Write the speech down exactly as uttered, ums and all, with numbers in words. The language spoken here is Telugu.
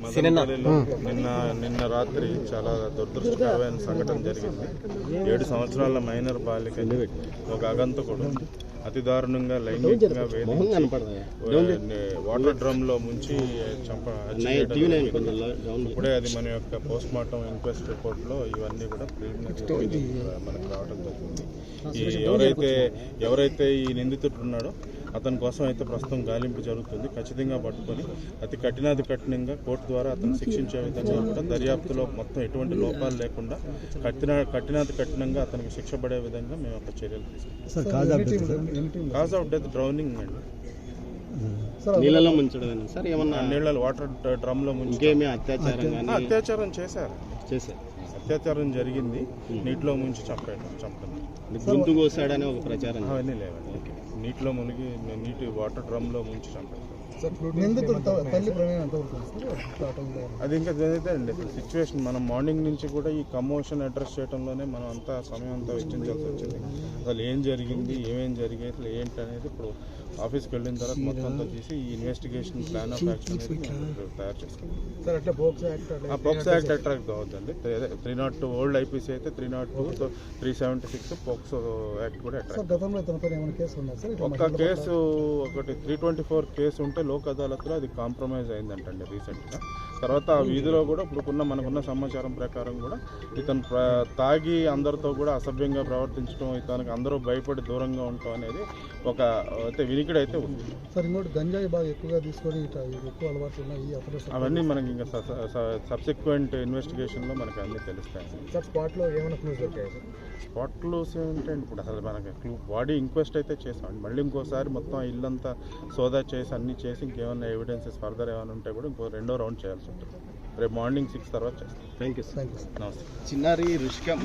మదనపల్లిలో నిన్న నిన్న రాత్రి చాలా దురదృష్టకరమైన సంఘటన జరిగింది. ఏడు సంవత్సరాల మైనర్ బాలిక ఒక అగంతకుడు అతి దారుణంగా లైంగికంగా వేధించి వాటర్ డ్రమ్ లో ముంచి చంప ఇప్పుడే అది మన యొక్క పోస్ట్ మార్టం ఇంక్వెస్ట్ రిపోర్ట్ లో ఇవన్నీ కూడా ప్రిలిమినరీ మనకు రావడం జరిగింది. ఈ ఎవరైతే ఎవరైతే ఈ నిందితుడు ఉన్నాడో అతని కోసం అయితే ప్రస్తుతం గాలింపు జరుగుతుంది. ఖచ్చితంగా పట్టుకొని అతి కఠినాది కఠినంగా కోర్టు ద్వారా అతను శిక్షించే విధంగా కూడా దర్యాప్తులో మొత్తం ఎటువంటి లోపాలు లేకుండా కఠిన కఠినాది కఠినంగా అతనికి శిక్ష పడే విధంగా మేము ఒక చర్యలు తీసుకుంటాం. కాజ్ ఆఫ్ డెత్ డ్రౌనింగ్ అండి, నీళ్ళలో ముంచడం సార్, ఏమన్నా నీళ్ళలో వాటర్ డ్రమ్ లో ముంచి అత్యాచారం అత్యాచారం చేశారు చేశారు అత్యాచారం జరిగింది. నీటిలో ముంచి చంపాడు చంపడం గొంతు కోసాడని ఒక ప్రచారం అవన్నీ లేవండి. నీటిలో మునిగి నీటి వాటర్ డ్రమ్ లో ముంచి చంపాడు. అది ఇంకా జరిగితే అండి సిచ్యువేషన్ మనం మార్నింగ్ నుంచి కూడా ఈ కమోషన్ అడ్రస్ చేయడంలోనే మనం అంతా సమయం అంతా వెచ్చించాల్సి వచ్చింది. అసలు ఏం జరిగింది, ఏమేం జరిగాయి, అసలు ఏంటి అనేది ఇప్పుడు ఆఫీస్కి వెళ్ళిన తర్వాత మొత్తం అంతా తీసి ఈ ఇన్వెస్టిగేషన్ ప్లాన్ ఆఫ్ యాక్షన్ అనేది తయారు చేసుకుంటాం. పోక్సో యాక్ట్ అట్రాక్ట్ అవుతుంది. Three not two old IPC అయితే three not two three seventy six POCSO act కూడా అట్రాక్ట్. ఒక్క కేసు ఒకటి త్రీ ట్వంటీ ఫోర్ కేసు ఉంటే లోక్ అదాలత్లో అది కాంప్రమైజ్ అయిందంటండి రీసెంట్గా. తర్వాత ఆ వీధిలో కూడా ఇప్పుడుకున్న మనకున్న సమాచారం ప్రకారం కూడా ఇతను తాగి అందరితో కూడా అసభ్యంగా ప్రవర్తించడం, ఇతనికి అందరూ భయపడి దూరంగా ఉండటం అనేది ఒక అయితే వినికిడి అయితే ఉంది. సార్ ఇంకోటి గంజాయి బాగా ఎక్కువగా తీసుకొని ఎక్కువ అలవాటు ఉన్నాయి అవన్నీ మనకి ఇంకా సబ్సిక్వెంట్ ఇన్వెస్టిగేషన్లో మనకి అన్నీ తెలుస్తాయి. సార్ స్పాట్లో ఏమైనా క్లూస్ దొరికాయి సార్? స్పాట్ క్లూస్ ఏంటంటే ఇప్పుడు అసలు మనకి క్లూ బాడీ ఇంక్వెస్ట్ అయితే చేసాం. మళ్ళీ ఇంకోసారి మొత్తం ఇల్లంతా సోదా చేసి అన్నీ చేసి ఇంకేమైనా ఎవిడెన్సెస్ ఫర్దర్ ఏమైనా ఉంటే కూడా ఇంకో రెండో రౌండ్ చేయాల్సి ఉంటుంది. రేపు మార్నింగ్ సిక్స్ తర్వాత చేస్తాం. థ్యాంక్ యూ నమస్తే. చిన్నారి రుషిక